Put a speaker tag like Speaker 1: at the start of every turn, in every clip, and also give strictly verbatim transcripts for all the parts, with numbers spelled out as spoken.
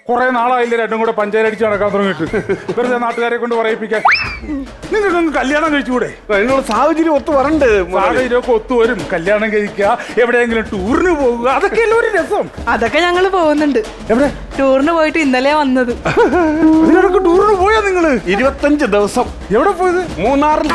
Speaker 1: കുറെ നാളായില്ലേ രണ്ടും കൂടെ പഞ്ചായത്തടിച്ച് നടക്കാൻ തുടങ്ങിയിട്ട്. വെറുതെ നാട്ടുകാരെ കൊണ്ട് പറയിപ്പിക്കാൻ. നിങ്ങൾക്ക് കല്യാണം കഴിച്ചുകൂടെ?
Speaker 2: അതിനുള്ള സാഹചര്യം ഒത്തു വരണ്ട്.
Speaker 1: സാഹചര്യമൊക്കെ ഒത്തുവരും. കല്യാണം കഴിക്കുക, എവിടെയെങ്കിലും ടൂറിന് പോകുക, അതൊക്കെയല്ലേ ഒരു രസം.
Speaker 3: അതൊക്കെ ഞങ്ങള് പോകുന്നുണ്ട്.
Speaker 1: എവിടെ?
Speaker 3: ടൂറിന് പോയിട്ട് ഇന്നലെ വന്നത്.
Speaker 1: ഇതിനൊക്കെ ടൂറിന് പോയാ നിങ്ങള്?
Speaker 2: ഇരുപത്തഞ്ച് ദിവസം.
Speaker 1: എവിടെ പോയത്?
Speaker 2: മൂന്നാറിൽ.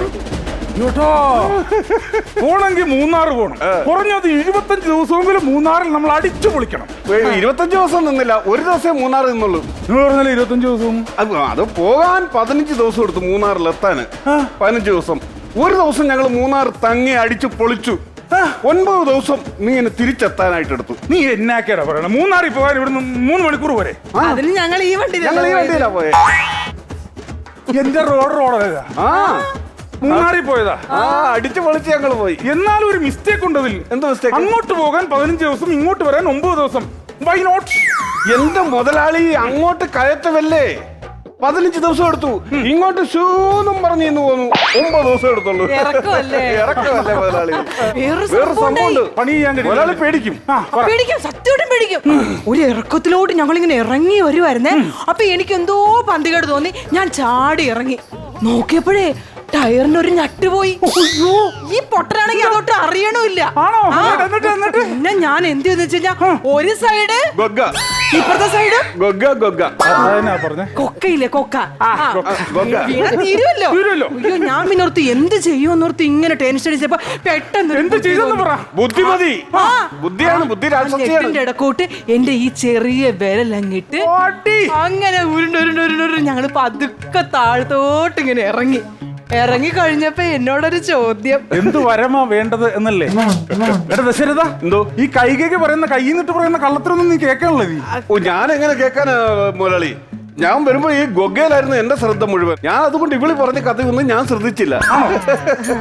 Speaker 1: പോണെങ്കിൽ മൂന്നാർ പോകണം. കുറഞ്ഞത് ഇരുപത്തഞ്ച് ദിവസമെങ്കിലും മൂന്നാറിൽ നമ്മൾ അടിച്ചു പൊളിക്കണം.
Speaker 2: ഇരുപത്തഞ്ച് ദിവസം നിന്നില്ല, ഒരു ദിവസം മൂന്നാർ നിന്നുള്ളൂ.
Speaker 1: നിങ്ങൾ പറഞ്ഞാൽ ഇരുപത്തഞ്ച് ദിവസവും
Speaker 2: അത് അത് പോകാൻ പതിനഞ്ച് ദിവസം എടുത്തു മൂന്നാറിൽ എത്താന്. പതിനഞ്ച് ദിവസം. ഒരു ദിവസം ഞങ്ങൾ മൂന്നാർ തങ്ങി അടിച്ചു പൊളിച്ചു. ഒൻപത് ദിവസം നീ എന്നെ തിരിച്ചെത്താനായിട്ട് എടുത്തു.
Speaker 1: നീ എന്നാക്കേടാ പറയണ? മൂന്നാറിൽ പോകാൻ ഇവിടുന്ന് മൂന്ന് മണിക്കൂർ വരെ.
Speaker 3: അതിന് ഞങ്ങൾ ഈ വണ്ടി
Speaker 2: ഞങ്ങൾ ഈ വണ്ടിയിലാ പോയെ.
Speaker 1: എന്റെ റോഡ് റോഡാ.
Speaker 2: ആ
Speaker 1: മൂന്നാറിൽ പോയതാ.
Speaker 2: ആ അടിച്ചു പൊളിച്ച് ഞങ്ങൾ പോയി.
Speaker 1: എന്നാലും ഒരു മിസ്റ്റേക്ക് ഉണ്ടതിൽ.
Speaker 2: എന്ത് മിസ്റ്റേക്ക്?
Speaker 1: അങ്ങോട്ട് പോകാൻ പതിനഞ്ച് ദിവസം, ഇങ്ങോട്ട് വരാൻ ഒമ്പത് ദിവസം. Why not?
Speaker 2: എന്റെ മുതലാളി അങ്ങോട്ട് കയറ്റമല്ലേ, പതിനഞ്ച് ദിവസം എടുത്തു. ഇങ്ങോട്ട് ഷൂന്നും പറഞ്ഞു ഇന്ന് പോന്നു, ഒമ്പത് ദിവസം എടുത്തുള്ളൂ.
Speaker 3: ഇറക്കമല്ലേ
Speaker 2: ഇറക്കമല്ലേ മുതലാളി.
Speaker 3: വേറെ
Speaker 2: വേറെ സംഭവമുണ്ട്.
Speaker 1: പണി ചെയ്യാൻ കഴിയും.
Speaker 2: മുതലാളി പേടിക്കും.
Speaker 3: പേടിക്കും, സത്യമായിട്ടും പേടിക്കും. ഒരു ഇറക്കത്തിലോട്ട് ഞങ്ങൾ ഇങ്ങനെ ഇറങ്ങി വരുവായിരുന്നേ. അപ്പൊ എനിക്ക് എന്തോ പന്തികേട് തോന്നി. ഞാൻ ചാടി ഇറങ്ങി നോക്കിയപ്പോഴേ ടയറിന് ഒരു ഞട്ട് പോയി. ഈ പൊട്ടനാണെങ്കിൽ അതോട്ട് അറിയണമില്ല. പിന്നെ ഞാൻ എന്ത് ചെയ്തെന്ന് വെച്ച് കഴിഞ്ഞാ, ഒരു സൈഡ്
Speaker 2: ഗൊഗ്ഗ,
Speaker 3: ഇപ്പുറത്തെ സൈഡ്
Speaker 2: ഗൊഗ്ഗ ഗൊഗ്ഗ
Speaker 3: കൊക്കയില്ലേ, കൊക്ക
Speaker 2: ഗൊഗ്ഗ
Speaker 3: തീരുമല്ലോ. അയ്യോ, ഞാൻ പിന്നെ ഓർത്ത് എന്ത് ചെയ്യുമെന്നോർത്ത് ഇങ്ങനെ ടെൻഷൻ അടിച്ചപ്പോ പെട്ടെന്ന്
Speaker 1: എന്ത് ചെയ്തെന്ന് പറ.
Speaker 2: ബുദ്ധിമതി, ബുദ്ധിയാണ്, ബുദ്ധി രാക്ഷസിയാണ്.
Speaker 3: ഇടക്കൂട്ട് എന്റെ ഈ ചെറിയ വിരലങ്ങിട്ട് അങ്ങനെ ഉരുണ്ട് ഉരുണ്ട് ഉരുണ്ട് ഉരുണ്ട് ഞങ്ങള് പതുക്കെ താഴത്തോട്ട് ഇങ്ങനെ ഇറങ്ങി. ഇറങ്ങി കഴിഞ്ഞപ്പോ എന്നോടൊരു ചോദ്യം,
Speaker 1: എന്ത് വരമാ വേണ്ടത് എന്നല്ലേ? എടാ ദശരഥ,
Speaker 2: എന്തോ
Speaker 1: ഈ കൈകേക്ക് പറയുന്ന കയ്യിൽ നിന്നിട്ട് പറയുന്ന കള്ളത്തിനൊന്നും നീ കേൾക്കാനുള്ള നീ?
Speaker 2: ഓ, ഞാൻ എങ്ങനെ കേൾക്കാനാ മുതലാളി? ഞാൻ വരുമ്പോ ഈ ഗൊഗ്ഗയിലായിരുന്നു എന്റെ ശ്രദ്ധ മുഴുവൻ. ഞാൻ അതുകൊണ്ട് ഇവിളി പറഞ്ഞ കഥയൊന്നും ഞാൻ ശ്രദ്ധിച്ചില്ല.